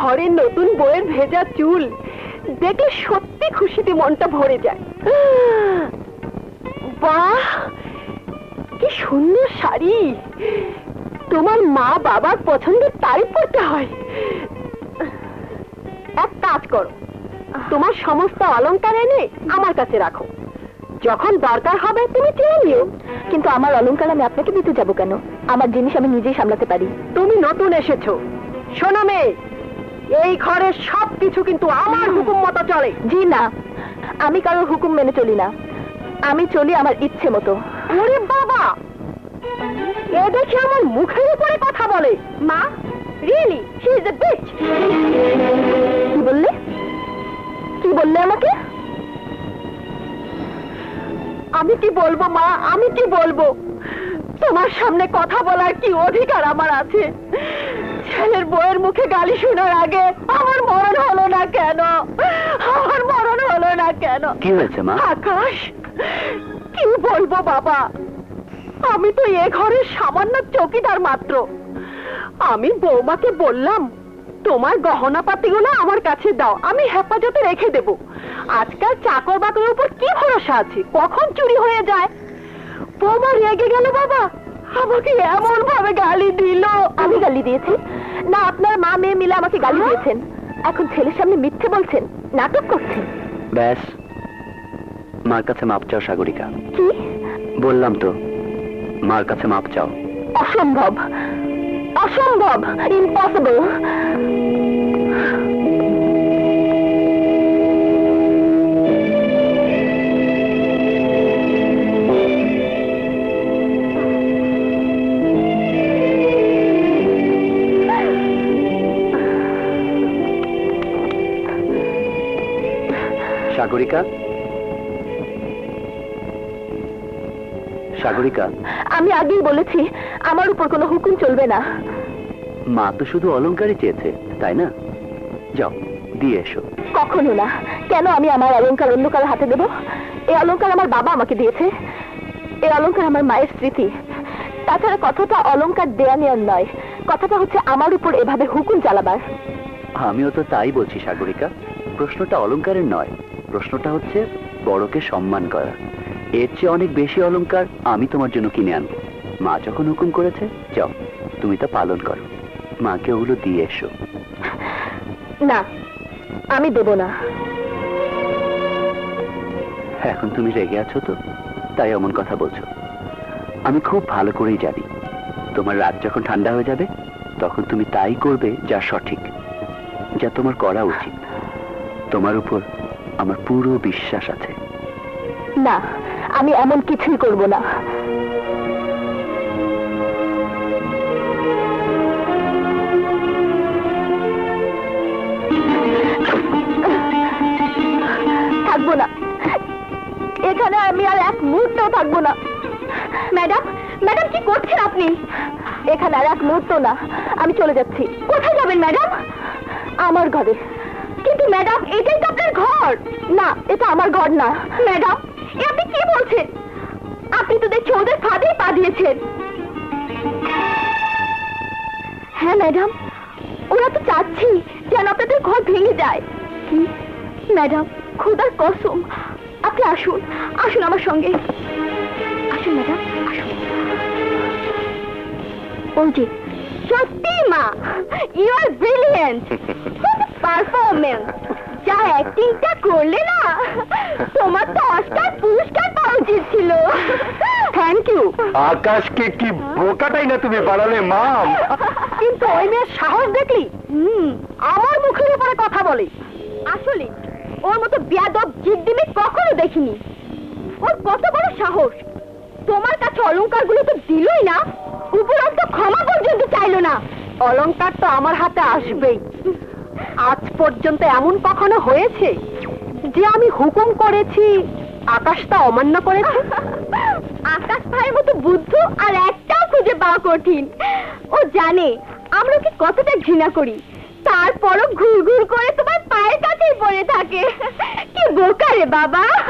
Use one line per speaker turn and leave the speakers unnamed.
ঘরের নতুন বউয়ের ভেজা চুল দেখলে সত্যি খুশিতে মনটা ভরে যায়। বাহ, কি সুন্দর শাড়ি! তোমার মা বাবার পছন্দের তারিফ করতে হয়। এক কাজ করো, তোমার সমস্ত অলংকার এনে আমার কাছে রাখো, যখন দরকার হবে তুমি চেয়ে নিও।
কিন্তু আমার অলংকার আমি আপনাকে দিতে যাব কেন? আমার জিনিস আমি নিজেই সামলাতে পারি।
তুমি নতুন এসেছো, শোনো মেয়ে, এই ঘরের সবকিছু কিন্তু আমার হুকুম মতো চলে।
জি না, আমি কারোর হুকুম মেনে চলি না, আমি চলি আমার ইচ্ছে মতো।
ওরে বাবা, এ দেখে আমার মুখের উপরে কথা বলে। মা, really she is a bitch.
কি বললে? কি বললে আমাকে?
আমি কি বলবো মা, আমি কি বলবো? তোমার সামনে কথা বলার কি অধিকার আমার আছে? ছেলের বউয়ের মুখে গালি শোনার আগে আমার মরণ হলো না কেন? আমার মরণ হলো না কেন?
কি হয়েছে মা?
আকাশ, কি বলবো বাবা, আমি তো এ ঘরের সামান্য চৌকিদার মাত্র। আমি বৌমাকে বললাম তোমার গহনাপাতিগুলো আমার কাছে দাও, আমি হেফাজতে রেখে দেব। আজকাল চাকর বাকরের উপর কি ভরসা আছে, কখন চুরি হয়ে যায়। বৌমা রেগে গেল বাবা, আমাকে এমন ভাবে গালি দিল।
আমি গালি দিয়েছি না? আপনার মা মেয়ে মিলে আমাকে গালি দিয়েছেন, এখন ছেলের সামনে মিথ্যে বলছেন, নাটক করছেন।
ব্যাস, মার কাছে মাপ চাও সাগরিকা।
কি
বললাম তো, মার কাছে মাপ চাও।
অসম্ভব, অসম্ভব, ইম্পসিবল।
সাগরিকা, সাগরিকা,
আমি আগেই বলেছি আমার উপর কোনো হুকুম চলবে না।
মা তো শুধু অলংকারই চেয়েছে, তাই না? যাও দিয়ে এসো।
কখনো না। কেন আমি আমার অলংকার অন্য কারো হাতে দেব? এই অলংকার আমার বাবা আমাকে দিয়েছে, এই অলংকার আমার মায়ের স্মৃতি। তাছাড়া কথাটা অলংকার দেয়া নেওয়ার নয়, কথাটা হচ্ছে আমার উপর এভাবে হুকুম চালাবার।
আমিও তো তাই বলছি সাগরিকা, প্রশ্নটা অলংকারের নয়, প্রশ্নটা হচ্ছে বড়কে সম্মান করা। এর চেয়ে অনেক বেশি অলংকার আমি তোমার জন্য কিনে আনবো। মা যখন হুকুম করেছে, যাও তুমি তা পালন করো, মাকে ওগুলো দিয়ে এসো।
না, আমি দেব না।
এখন তুমি রেগে আছো তো, তাই এমন কথা বলছো। আমি খুব ভালো করেই জানি তোমার রাগ যখন ঠান্ডা হয়ে যাবে তখন তুমি তাই করবে যা সঠিক, যা তোমার করা উচিত। তোমার উপর আমার পুরো বিশ্বাস আছে।
না, আমি এমন কিছুই করব না। থাকবো না এখানে, আমি আর এক মুহূর্তও থাকবো না। ম্যাডাম, ম্যাডাম কি করছেন আপনি? এখানে আর এক মুহূর্ত না, আমি চলে যাচ্ছি। কোথায় যাবেন ম্যাডাম? আমার ঘরে। কিন্তু ম্যাডাম, এটাই তো আপনার ঘর। না, এটা আমার ঘর না। ম্যাডাম, এ আপনি কি বলছেন? আপনি তো দেখছি ওদের ফাঁদেই পা দিয়েছেন। হ্যাঁ ম্যাডাম, ওরা তো চাচ্ছি যেন আপনাদের ঘর ভেঙে যায়। কি ম্যাডাম, খোদার কসম, আপনি আসুন, আসুন আমার সঙ্গে। আসুন ম্যাডাম, আসুন। ওই যে, সত্যি মা, ইউ আর ব্রিলিয়েন্ট, পারফরমেন্স, যা অ্যাক্টিংটা করলে না, তোমার তো অস্কার পুরস্কার পাওয়া উচিত ছিল। Thank you.
আকাশকে কি বোকাটাই না তুমি বানালে মাম।
কিন্তু ওই মেয়ের সাহস দেখলি? আমার মুখের উপরে কথা বলে। আসলে ওর মতো বেয়াদব জিদ্দিমে কখনো দেখিনি। ওর কত বড় সাহস! তোমার কাছে অলংকারগুলো তো দিলই না, উপরন্ত ক্ষমা পর্যন্ত চাইলো না। অলংকার তো আমার হাতে আসবেই। আজ পর্যন্ত এমন কখনো হয়েছে যে আমি হুকুম করেছি আকাশ তা অমান্য করেছে? আকাশ ভাইয়ের মতো বুদ্ধ আর একটাও খুঁজে পাওয়া কঠিন। ও জানে আমরা ওকে কতটা ঘৃণা করি, তারপরও ঘুর ঘুর করে তোমার পায়ের কাছেই পড়ে থাকে। কি বোকা রে বাবা!